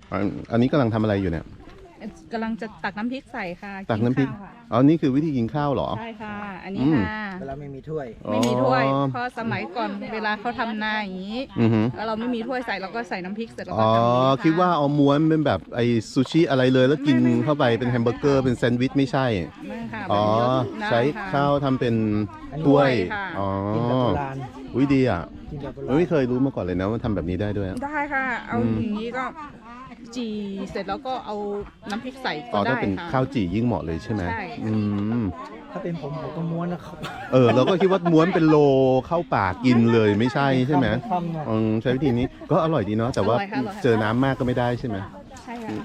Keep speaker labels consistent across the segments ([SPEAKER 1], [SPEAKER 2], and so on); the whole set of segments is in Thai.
[SPEAKER 1] อันนี้กำลังทำอะไรอยู่เนี่ย
[SPEAKER 2] กำลังจะตักน้ำพริกใส่ค่ะ
[SPEAKER 1] ตักน้ำพริกอ๋อนี่คือวิธีกินข้าวเหรอ
[SPEAKER 2] ใช่ค่ะอันนี้ค่ะ
[SPEAKER 3] เวลาไม่มีถ้วย
[SPEAKER 2] ไม่มีถ้วยเพราะสมัยก่อนเวลาเขาทำนาอย่างนี้แล้วเราไม่มีถ้วยใส่เราก็ใส่น้ำพริกเสร็จแล้วก็ทำ
[SPEAKER 1] คิดว่าเอาม้วนเป็นแบบไอซูชิอะไรเลยแล้วกินเข้าไปเป็นแฮมเบอร์เกอร์เป็นแซนด์วิชไม่ใช่อ๋อใช้ข้าวทำเป็นถ้วยอ๋อวิดีอ่ะไม่เคยรู้มาก่อนเลยนะว่าทำแบบนี้ได้ด้วย
[SPEAKER 2] ได้ค่ะเอาอย่างนี้ก็จีเสร็จแล้วก็เอาน้ำพริกใส่ก็ได้ค่ะ
[SPEAKER 1] ถ้าเป็นข้าวจียิ่งเหมาะเลยใช่ไหม
[SPEAKER 3] ถ้าเป็นผมก็ม้วนนะครับ
[SPEAKER 1] เราก็คิดว่าม้วนเป็นโลเข้าปากกินเลยไม่ใช่ใช่ไหมใช้วิธีนี้ก็อร่อยดีเนาะแต่ว่าเจอน้ำมากก็ไม่ได้ใช่ไหม
[SPEAKER 2] ใช่ค่ะ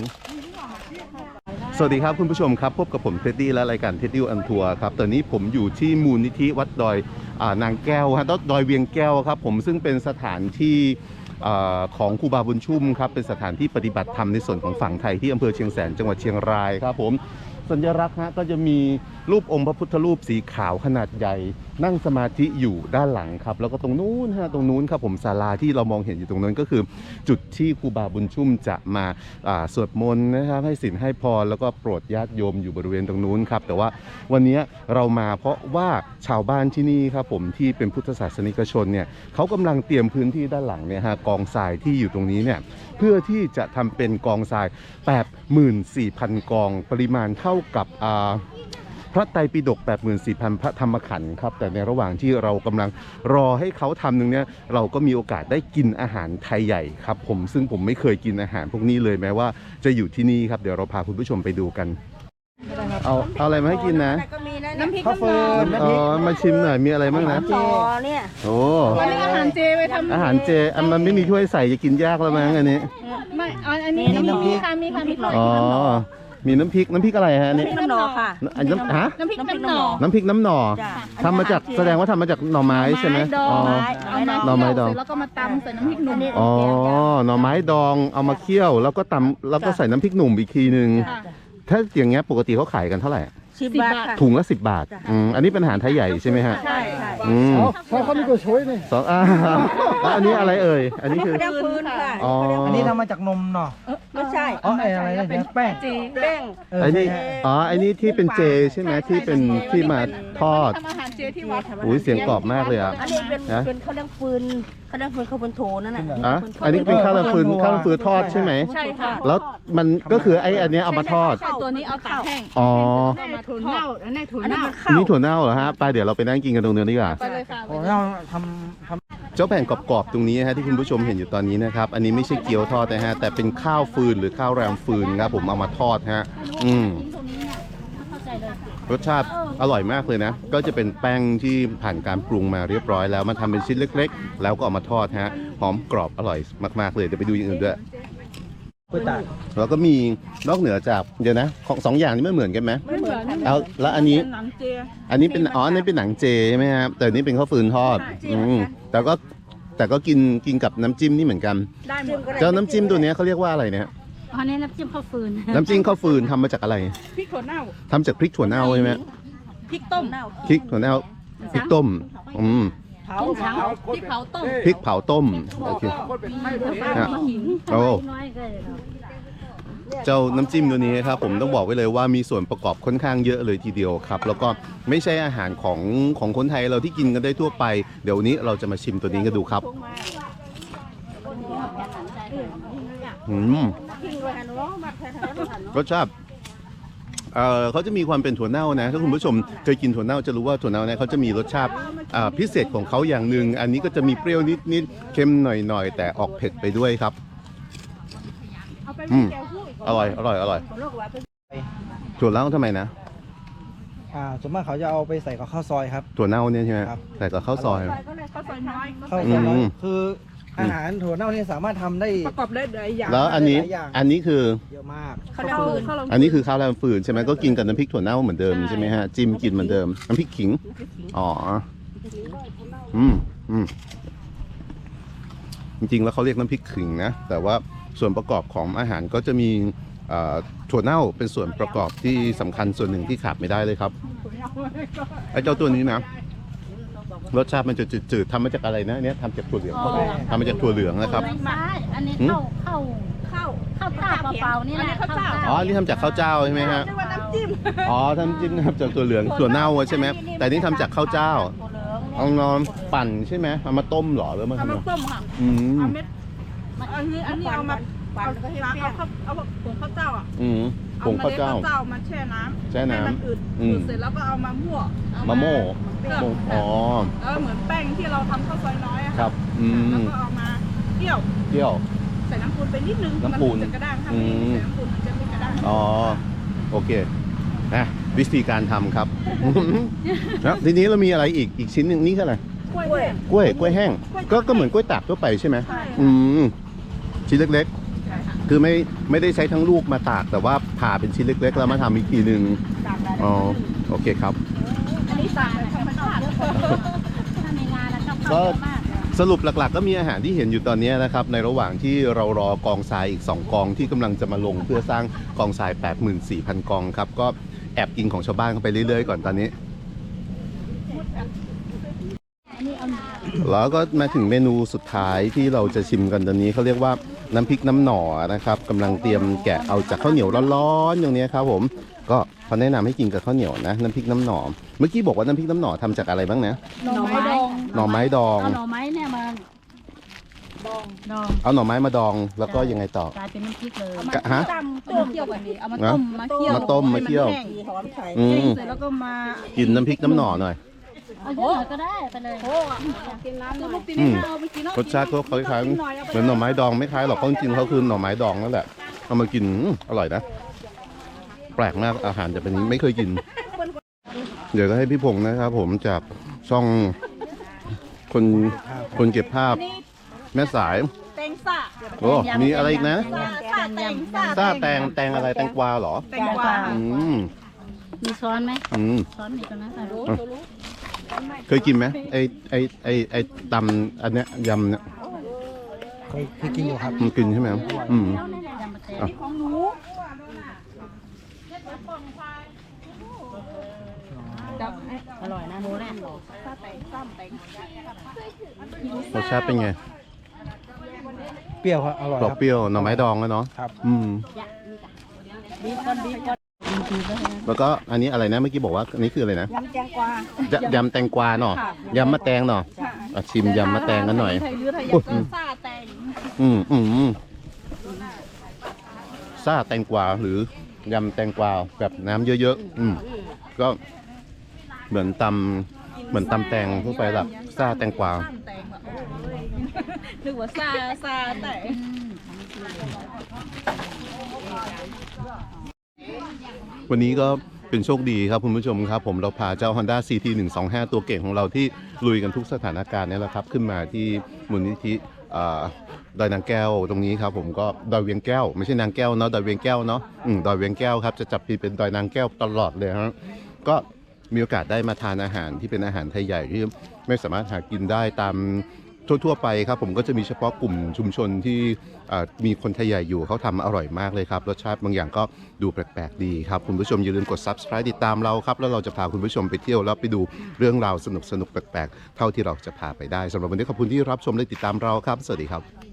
[SPEAKER 1] สวัสดีครับคุณผู้ชมครับพบกับผมเท็ดดี้และรายการเท็ดดี้อันทัวร์ครับตอนนี้ผมอยู่ที่มูลนิธิวัดดอยนางแก้วฮะดอยเวียงแก้วครับผมซึ่งเป็นสถานที่ของครูบาบุญชุ่มครับเป็นสถานที่ปฏิบัติธรรมในส่วนของฝั่งไทยที่อำเภอเชียงแสนจังหวัดเชียงรายครับผมสัญลักษณ์ฮะก็จะมีรูปองค์พระพุทธรูปสีขาวขนาดใหญ่นั่งสมาธิอยู่ด้านหลังครับแล้วก็ตรงนู้นฮะตรงนู้นครับผมศาลาที่เรามองเห็นอยู่ตรงนั้นก็คือจุดที่ครูบาบุญชุ่มจะมาสวดมนต์นะครับให้ศีลให้พรแล้วก็โปรดญาติโยมอยู่บริเวณตรงนู้นครับแต่ว่าวันนี้เรามาเพราะว่าชาวบ้านที่นี่ครับผมที่เป็นพุทธศาสนิกชนเนี่ยเขากำลังเตรียมพื้นที่ด้านหลังเนี่ยฮะกองทรายที่อยู่ตรงนี้เนี่ยเพื่อที่จะทำเป็นกองทราย 84,000 กองปริมาณเท่ากับพระไตรปิฎก 84,000 พระธรรมขันธ์ครับแต่ในระหว่างที่เรากำลังรอให้เขาทำนึงเนี่ยเราก็มีโอกาสได้กินอาหารไทยใหญ่ครับผมซึ่งผมไม่เคยกินอาหารพวกนี้เลยแม้ว่าจะอยู่ที่นี่ครับเดี๋ยวเราพาคุณผู้ชมไปดูกันเอาอะไรมาให้กินนะ
[SPEAKER 2] น้ำพริกน้ำน
[SPEAKER 1] อมาชิมหน่อยมีอะไรบ้างนะ
[SPEAKER 2] เนี่ย
[SPEAKER 1] โอ้
[SPEAKER 2] อาหารเจไปทำ
[SPEAKER 1] อาหารเจมันไม่มีถ้วยใส่จะกินยากแล้วมั้งอันนี้
[SPEAKER 2] ไม่อันนี้น้ำพริกค่ะมีค่ะมีหน่อย
[SPEAKER 1] มีน้ำพริกอะไรฮะนี่
[SPEAKER 2] น้ำหน่อค่ะ
[SPEAKER 1] น้ำพริกน้ำหน่อ
[SPEAKER 2] น้ำพริกน้ำหน่อ
[SPEAKER 1] ทำมาจากแสดงว่าทำมาจากหน่อไม้ใช่ไหมหน่อไม้ดอง
[SPEAKER 2] แล้วก็มาตำใส่น้ำพริกหนุ่ม
[SPEAKER 1] หน่อไม้ดองเอามาเคี่ยวแล้วก็ตำแล้วก็ใส่น้ำพริกหนุ่มอีกทีนึงถ้าอย่างเงี้ยปกติเขาขายกันเท่าไหร่
[SPEAKER 2] 10 บาท
[SPEAKER 1] ถุงละ10 บาทอันนี้เป็นอาหารไทยใหญ่ใช่ไหมฮะ
[SPEAKER 2] ใช่
[SPEAKER 3] เขามีตัวช่วยนี่
[SPEAKER 1] อันนี้อะไรเอ่ยอันนี้คือ
[SPEAKER 2] ฟืนค่ะ
[SPEAKER 3] อันนี้ทำมาจากนมเนาะ
[SPEAKER 2] ไม่ใช่
[SPEAKER 3] อะไรเนี่ยแป้ง
[SPEAKER 1] อันนี้ที่เป็นเจใช่ไหมที่เป็นที่มาทอด
[SPEAKER 2] ทำอาหารเจที่วัด
[SPEAKER 1] อุ้ยเสียงกรอบมากเลยอ่ะ
[SPEAKER 4] อันนี้เป็นข้าวเลี้ยงฟืนข้าวเลี้ยงฟืนข้าวบนโถนั่นน่ะ
[SPEAKER 1] อันนี้เป็นข้าวฟืนทอดใช่ไหม
[SPEAKER 2] ใช่ค่ะ
[SPEAKER 1] แล้วมันก็คืออันนี้เอามาทอด
[SPEAKER 2] ตัวนี้เอาตากแห้ง
[SPEAKER 4] มาถั่วเน่าอันนี้ถั่วเน่า
[SPEAKER 1] นี่ถั่วเน่าเหรอฮะไปเดี๋ยวเราไปนั่งกินกันตรงนี้ดีกว่า
[SPEAKER 2] ไปเลยค่ะ
[SPEAKER 3] เราท
[SPEAKER 1] เจ้าแผ่นกรอบๆตรงนี้ฮะที่คุณผู้ชมเห็นอยู่ตอนนี้นะครับอันนี้ไม่ใช่เกี๊ยวทอดนะฮะแต่เป็นข้าวฟืนหรือข้าวแรมฟืนครับผมเอามาทอดฮะรสชาติอร่อยมากเลยนะก็จะเป็นแป้งที่ผ่านการปรุงมาเรียบร้อยแล้วมาทำเป็นชิ้นเล็กๆแล้วก็เอามาทอดฮะหอมกรอบอร่อยมากๆเลยเดี๋ยวไปดูอย่างอื่นด้วยแล้วก็มีนอกเหนือจากเดี๋ยวนะของ2 อย่างนี้ไม่เหมือนกันไหม
[SPEAKER 2] ไม่เหมือน
[SPEAKER 1] เอาแล้วอันนี้อันนี้เป็นอันนี้เป็นหนังเจใช่ไหมครับแต่อันนี้เป็นข้าวฟืนทอดแต่ก็กินกับน้ำจิ้มนี่เหมือนกันเจ้าน้ำจิ้มตัวนี้เขาเรียกว่าอะไรเนี่ย
[SPEAKER 4] อันนี้น้ำจิ้มข้าวฟืน
[SPEAKER 1] น้ำจิ้มข้าวฟืนทำมาจากอะไร
[SPEAKER 2] พริกถั่วเน่า
[SPEAKER 1] ทำจากพริกถั่วเน่าใช่ไหม
[SPEAKER 2] พริกต้ม
[SPEAKER 1] พริกถั่วเน่าพริกต้ม
[SPEAKER 2] พริกเผาต้ม
[SPEAKER 1] พริกเผาต้มโอเคโอ้เจ้าน้ำจิ้มตัวนี้ครับผมต้องบอกไว้เลยว่ามีส่วนประกอบค่อนข้างเยอะเลยทีเดียวครับแล้วก็ไม่ใช่อาหารของคนไทยเราที่กินกันได้ทั่วไปเดี๋ยวนี้เราจะมาชิมตัวนี้กันดูครับรสชาติเขาจะมีความเป็นถั่วเน่านะถ้าคุณผู้ชมเคยกินถั่วเน่าจะรู้ว่าถั่วเน่าเนี่ยเขาจะมีรสชาติพิเศษของเขาอย่างหนึ่งอันนี้ก็จะมีเปรี้ยวนิดเค็มหน่อยแต่ออกเผ็ดไปด้วยครับอร่อยถั่วเน่าทำไมนะ
[SPEAKER 3] ส่วนมากเขาจะเอาไปใส่กับข้าวซอยครับ
[SPEAKER 1] ถั่วเน่าเนี่ยใช่ไหมใส่กับข้าวซอย
[SPEAKER 2] ข้าวซอยน้อย
[SPEAKER 3] คืออาหารถั่วเน่านี่สามารถทำได้
[SPEAKER 2] ประกอบได้หลายอย่าง
[SPEAKER 1] แล้วอันนี้คือ
[SPEAKER 3] เยอะมาก
[SPEAKER 1] อันนี้คือข้าวแรมฟืนใช่ไหมก็กินกับน้ำพริกถั่วเน่าเหมือนเดิมใช่ไหมฮะจิ้มกินเหมือนเดิมน้ำพริกขิงจริงๆแล้วเขาเรียกน้ำพริกขิงนะแต่ว่าส่วนประกอบของอาหารก็จะมีถั่วเน่าเป็นส่วนประกอบที่สำคัญส่วนหนึ่งที่ขาดไม่ได้เลยครับไอ้เจ้าตัวนี้นะรสชาติมันจะจืดๆทำมาจากอะไรนะเนี่ยทำจากถั่วเหลืองทำมาจากถั่วเหลืองนะครับ
[SPEAKER 4] อันนี้ข้าวข้าวเจ้าเปล่าๆนี่แหละ
[SPEAKER 2] ข้าวเจ้า
[SPEAKER 1] อ๋อนี่ทำจากข้าวเจ้าใช่ไหมฮะ
[SPEAKER 2] เรียกว่าน้ำจิ้ม
[SPEAKER 1] อ๋อน้ำจิ้มนะครับจากถั่วเหลืองถั่วเน่าใช่ไหมแต่นี่ทำจากข้าวเจ้าเอานอนปั่นใช่ไหมเอามาต้มเหรอหรือมา
[SPEAKER 2] เอา
[SPEAKER 1] ทำ
[SPEAKER 2] มา
[SPEAKER 1] อะไร
[SPEAKER 2] ต้มค่ะ
[SPEAKER 1] อืม
[SPEAKER 2] เอาเม็ดอันนี้เอามาเอาผงข้าวเจ้าอ่ะ
[SPEAKER 1] อืมผงข้าวเจ้า
[SPEAKER 2] อมล็ดข้าวเจ้ามาแช่น้ำ
[SPEAKER 1] แช่น้ำ
[SPEAKER 2] ให้มันอืด
[SPEAKER 1] อืม
[SPEAKER 2] เสร็จแล้วก็เอามามั่ว
[SPEAKER 1] มะโม่
[SPEAKER 2] เครื่อง
[SPEAKER 1] อ๋อ
[SPEAKER 2] แล้วเหมือนแป้งที่เราทำข้าวซอยน้อยอะ
[SPEAKER 1] ครับอื
[SPEAKER 2] แล้ว
[SPEAKER 1] ม
[SPEAKER 2] ก็เอามาเคี่ยว
[SPEAKER 1] เที่ยว
[SPEAKER 2] ใส่น้ำปูนไปนิดนึง
[SPEAKER 1] น้ำปูน
[SPEAKER 2] มัจะกระด้างถ้าไม่ใส่น้ำปูนมันจะไม่กระด้าง
[SPEAKER 1] อ๋อโอเคนะวิธีการทำครับ แล้วทีนี้เรามีอะไรอีกชิ้นหนึงนี่คืออะไร
[SPEAKER 2] กล้วย
[SPEAKER 1] กล้วยแห้งก็เหมือนกล้วยตากทั่วไปใช่ไหม
[SPEAKER 2] ใช่
[SPEAKER 1] อืมชิ้นเล็กๆ คือไม่ได้ใช้ทั้งลูกมาตากแต่ว่าผ่าเป็นชิ้นเล็กๆแล้วมาทำอีกทีหนึ่งอ๋อโอเคครับ
[SPEAKER 2] อันนี้สั่งแบบธรรมชาติ
[SPEAKER 4] ถ้ามีงานแล้วต้อง
[SPEAKER 1] ก็
[SPEAKER 4] เข้าเยอะมาก
[SPEAKER 1] สรุปหลักๆ ก็มีอาหารที่เห็นอยู่ตอนนี้นะครับในระหว่างที่เรารอกองทรายอีก 2 กองที่กำลังจะมาลงเพื่อสร้างกองทราย 84,000 กองครับก็แอบกินของชาวบ้านเข้าไปเรื่อยๆก่อนตอนนี้ แล้วก็มาถึงเมนูสุดท้ายที่เราจะชิมกันตอนนี้เขาเรียกว่าน้ำพริกน้ำหน่อนะครับกำลังเตรียมแกะเอาจากข้าวเหนียวร้อนๆอย่างนี้ครับผมก็เขาแนะนำให้กินกับข้าวเหนียวนะน้ำพริกน้ำหน่อเมื่อกี้บอกว่าน้ำพริกน้ำหน่อทำจากอะไรบ้างนะ
[SPEAKER 4] หน่อไม้ดอง
[SPEAKER 1] หน่อไม้ดอง
[SPEAKER 4] เอาหน่อไม้เนี่ยมาดอง
[SPEAKER 1] เอาหน่อไม้มาดองแล้วก็ยังไงต่อก
[SPEAKER 4] ลายเป็นน้ำพริกเลย
[SPEAKER 1] กะฮะ
[SPEAKER 2] เอามาเคี่ยวกันดีเอามาต้มมาเคี่ยว
[SPEAKER 1] มาต้มมาเคี่ยว
[SPEAKER 2] ให้นแห้ง
[SPEAKER 4] หอมใส่
[SPEAKER 1] อืม
[SPEAKER 2] เสร็จแล้วก็มา
[SPEAKER 1] กินน้ำพริกน้ำหน่อหน่อย
[SPEAKER 4] เอาเยอะหน่อยก็ได้ไปเลย
[SPEAKER 2] กินน้ำหน่อย
[SPEAKER 1] อืมรสชาติก็คล้ายๆเหมือนหน่อไม้ดองไม่คล้ายหรอกเพราะจริงๆเขาคือหน่อไม้ดองนั่นแหละเอามากินอร่อยนะ แปลกมากอาหารจะเป็นอย่างนี้ไม่เคยกิน เดี๋ยวก็ให้พี่พงษ์นะครับผมจากช่องคนเก็บภาพแม่สาย
[SPEAKER 2] แตงซ่า
[SPEAKER 1] โอ้มีอะไรอีกนะ
[SPEAKER 2] ซ่าแตงซ่า
[SPEAKER 1] ซ่าแตงอะไรแตงกวาเหรอ
[SPEAKER 2] แตงกวา
[SPEAKER 1] อืม
[SPEAKER 4] มีช้อนไหม
[SPEAKER 1] อืม
[SPEAKER 4] ช้อนมีตรงนั้นค่ะรู้
[SPEAKER 1] เคยกินไหมไอตำอันเนี้ยยำเนี่ย
[SPEAKER 3] เคยกินอยู่ครับ
[SPEAKER 1] มันกินใช่ไหมอืม
[SPEAKER 4] แล้วเนี่ยยำมะเขือ
[SPEAKER 1] อ่ะ
[SPEAKER 2] ของหนู
[SPEAKER 4] อร่อยนะหมูแน่
[SPEAKER 2] ซ่าแตงซ่าแตง
[SPEAKER 1] รสชาติเป็นไง
[SPEAKER 3] เปรี้ยวครับอร่อย
[SPEAKER 1] กรอ
[SPEAKER 3] ค
[SPEAKER 1] บ
[SPEAKER 3] รับ
[SPEAKER 1] เปรี้ยวหน่อไม้ดองแล้วเนาะ
[SPEAKER 3] ครับ
[SPEAKER 1] อืม
[SPEAKER 4] บีบก้อนบีบก้อนบีบก็ให้นะ
[SPEAKER 1] แล้วก็อันนี้อะไรนะเมื่อกี้บอกว่าอันนี้คืออะไรนะ
[SPEAKER 2] ยำแตงกวาย
[SPEAKER 1] ำแตงกวาเนาะยำมะแตงเนาะอ่ะชิมยำมะแตงกันหน่อย
[SPEAKER 2] ไทยหรือไทยก็ซ่าแตง
[SPEAKER 1] ซ่าแตงกวาหรือยำแตงกวาแบบน้ำเยอะๆก็เหมือนตำแตงทั่วไปแบบซ่าแตงกวา
[SPEAKER 2] ซ่าแตงแบบโอ้ยนึกว่าซ่าแตง
[SPEAKER 1] วันนี้ก็เป็นโชคดีครับคุณผู้ชมครับผมเราพาเจ้า Honda CT 125 ตัวเก่งของเราที่ลุยกันทุกสถานการณ์นี่แหละครับขึ้นมาที่มูลนิธิดอยนางแก้วตรงนี้ครับผมก็ดอยเวียงแก้วไม่ใช่นางแก้วเนาะดอยเวียงแก้วเนาะดอยเวียงแก้วครับจะจับผิดเป็นดอยนางแก้วตลอดเลยฮะก็มีโอกาสได้มาทานอาหารที่เป็นอาหารไทยใหญ่ที่ไม่สามารถหากินได้ตามทั่วๆไปครับผมก็จะมีเฉพาะกลุ่มชุมชนที่มีคนไทยใหญ่อยู่เขาทำอร่อยมากเลยครับรสชาติบางอย่างก็ดูแปลกๆดีครับคุณผู้ชมอย่าลืมกด Subscribe ติดตามเราครับแล้วเราจะพาคุณผู้ชมไปเที่ยวแล้วไปดูเรื่องราวสนุกๆแปลกๆเท่าที่เราจะพาไปได้สำหรับวันนี้ขอบคุณที่รับชมและติดตามเราครับสวัสดีครับ